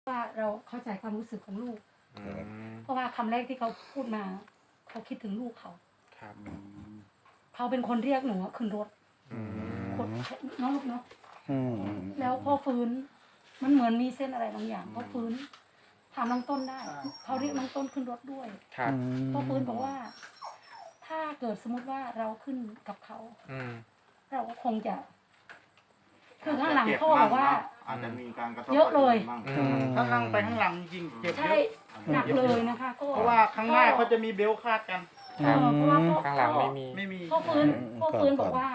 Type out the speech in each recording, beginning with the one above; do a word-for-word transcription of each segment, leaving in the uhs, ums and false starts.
ว่าเราเข้าใจความรู้สึกของลูกเพราะว่าคำแรกที่เขาพูดมาเขาคิดถึงลูกเขาครับเขาเป็นคนเรียกหนูขึ้นรถคนน้องลูกเนาะแล้วพอฟื้นมันเหมือนมีเส้นอะไรบางอย่างพอฟื้นถามน้องต้นได้เขาเรียกน้องต้นขึ้นรถด้วยพอฟื้นบอกว่าถ้าเกิดสมมติว่าเราขึ้นกับเขาเราก็คงจะคือข้างหลังพ่อบอกว่าอาจจะมีการกระทบเยอะเลยถ้านั่งไปข้างหลังจริงเจ็บเยใช่อะหนักเลยนะคะก็เพราะว่าข้างหน้าเขาจะมีเบลต์คาดกันเพราะว่าข้างหลังไม่มีไม่มีพ่อฟื้นพ่อฟื้นบอกว่า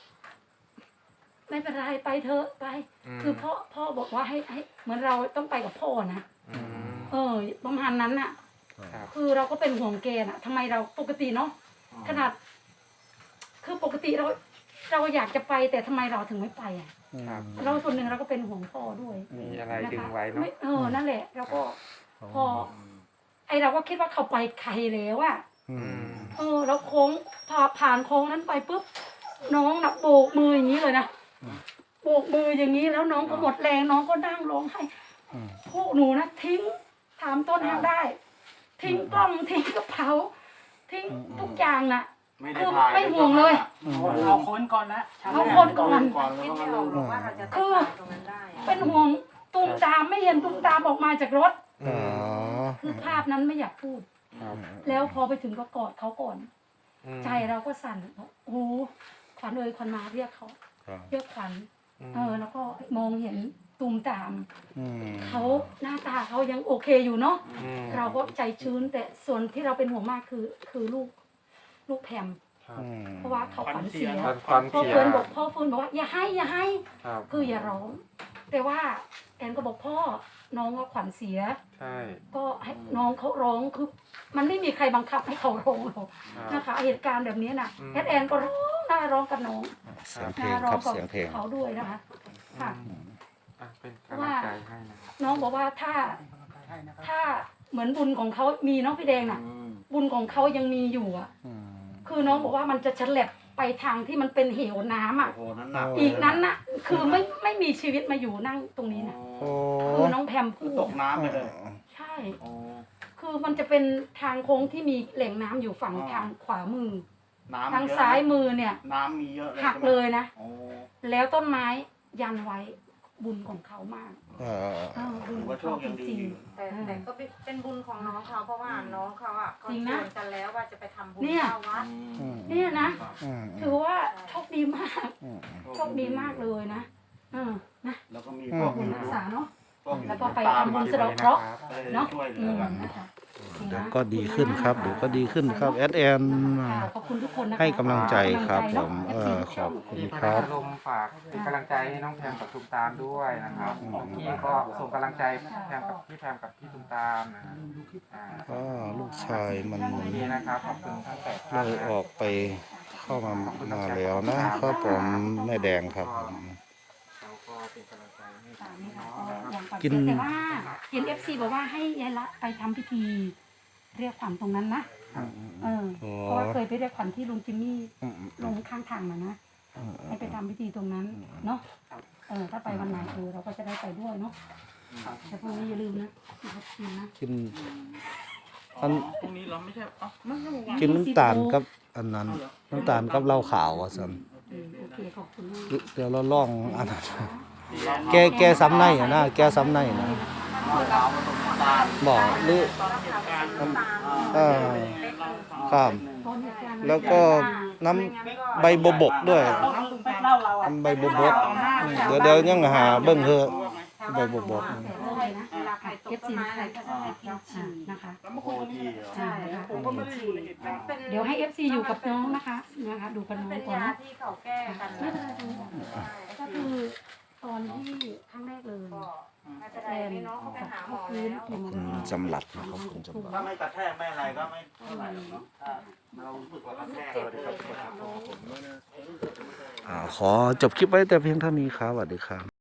ไม่เป็นไรไปเถอะไปคือพ่อพ่อบอกว่าให้ให้เหมือนเราต้องไปกับพ่อนะเออประมาณนั้นน่ะคือเราก็เป็นห่วงแกน่ะทำไมเราปกติเนาะขนาดคือปกติเราเราอยากจะไปแต่ทำไมเราถึงไม่ไปอ่ะเราส่วนหนึ่งเราก็เป็นห่วงพ่อด้วยมีอะไรดึงไว้เนาะเออนั่นแหละเราก็พอไอเราก็คิดว่าเขาไปไกลแล้วอ่ะเออแล้วโค้งพอผ่านโค้งนั้นไปปุ๊บน้องน่ะโบกมืออย่างนี้เลยนะโบกมืออย่างนี้แล้วน้องก็หมดแรงน้องก็นั่งร้องไห้พวกหนูนะทิ้งถามต้นทางได้ทิ้งกล้องทิ้งกระเป๋าทิ้งทุกอย่างน่ะคือไม่ห่วงเลยเอาคนก่อนนะเอาคนก่อนคิดไม่ออกหรอกว่าเราจะคือตรงนั้นได้เป็นห่วงตุ้มตามไม่เห็นตุ้มตามออกมาจากรถคือภาพนั้นไม่อยากพูดแล้วพอไปถึงก็กอดเขาก่อนใจเราก็สั่นโอ้ขวัญเอ่ยขวัญมาเรียกเขาเรียกขวัญเออแล้วก็มองเห็นตุ้มตามเขาหน้าตาเขายังโอเคอยู่เนาะเราก็ใจชื้นแต่ส่วนที่เราเป็นห่วงมากคือคือลูกลูกแพมเพราะว่าเขาขวัญเสียพ่อเฟิร์นบอกพ่อเฟิร์นบอกว่าอย่าให้อย่าให้คืออย่าร้องแต่ว่าแอนก็บอกพ่อน้องว่าขวัญเสียใช่ก็ให้น้องเขาร้องคือมันไม่มีใครบังคับให้เขาร้องหรอกนะคะเหตุการณ์แบบนี้น่ะแอนแอนก็ร้องน่าร้องกับน้องเสียงเพลงครับเสียงเพลงเขาด้วยนะคะค่ะเป็นกำลังใจให้นะน้องบอกว่าถ้าถ้าเหมือนบุญของเขามีน้องพี่แดงน่ะบุญของเขายังมีอยู่อ่ะคือน้องบอกว่ามันจะฉลับไปทางที่มันเป็นเหวน้ำอ่ะอีกนั้นน่ะคือไม่ไม่มีชีวิตมาอยู่นั่งตรงนี้นะคือน้องแพมพูดตกน้ำไปเลยใช่คือมันจะเป็นทางโค้งที่มีแหล่งน้ำอยู่ฝั่งทางขวามือทางซ้ายมือเนี่ยน้ำมีเยอะหักเลยนะแล้วต้นไม้ยันไว้บุญของเขามากบุญของเขาจริงๆแต่แต่ก็เป็นบุญของน้องเขาเพราะว่าน้องเขาอ่ะเขาชวนกันแล้วว่าจะไปทำบุญเข้าวัดเนี่ยนะถือว่าโชคดีมากโชคดีมากเลยนะนะแล้วก็มีพวกบุญรักษาเนาะแล้วก็ไปทำบุญสะเดาะเคราะห์เนาะเดี๋ยวก็ดีขึ้นครับเดี๋ยวก็ดีขึ้นครับแอดแอนให้กำลังใจครับผมเออขอบคุณครับลมฝากเป็นกำลังใจให้น้องแพมกับตุ้มตามด้วยนะครับพี่ก็ส่งกำลังใจแพมกับพี่แพมกับพี่ตุ้มตามนะก็ลูกชายมันนี่นะครับขอบคุณทั้งแปดท่านเลยออกไปเข้ามามาแล้วนะครับผมแม่แดงครับกินแต่ว่าเห็นเอฟซีบอกว่าให้ยายละไปทำพิธีเรียกขวัญตรงนั้นนะเออเพราะว่าเคยไปเรียกขวัญที่ลุงจิมมี่ลงข้างทางมานะให้ไปทำพิธีตรงนั้นเนาะเออถ้าไปวันไหนเออเราก็จะได้ไปด้วยเนาะแต่พรุ่งนี้อย่าลืมนะกินนะกินอันพรุ่งนี้เราไม่ใช่อ๋อไม่ใช่กินน้ำตาลกับอันนั้นน้ำตาลกับเหล้าขาวอ่ะสันเดี๋ยวเราล่องอันนั้นแกแกซ้ำในอ่ะนะแกซ้ำในนะบอกหรือเออครับแล้วก็น้ำใบบวบกด้วยน้ำใบบวบกเดี๋ยวเดี๋ยวยังหาเบิ้งเถอะใบบวบกเอฟซีใครก็ได้กินฉี่นะคะใช่ค่ะเดี๋ยวให้เอฟซีอยู่กับน้องนะคะนะคะดูกันน้องก่อนนะที่เขาแก้กันไม่เป็นไรก็คือตอนที่ครั้งแรกเลยแทนน้องเขาไปหาหมอแล้วจำหลัดนะครับคุณจำหลัดถ้าไม่กระแทกไม่อะไรก็ไม่เท่าไหร่เนาะเราฝึกว่ากระแทกอ่าขอจบคลิปไว้แต่เพียงเท่านี้ครับสวัสดีครับ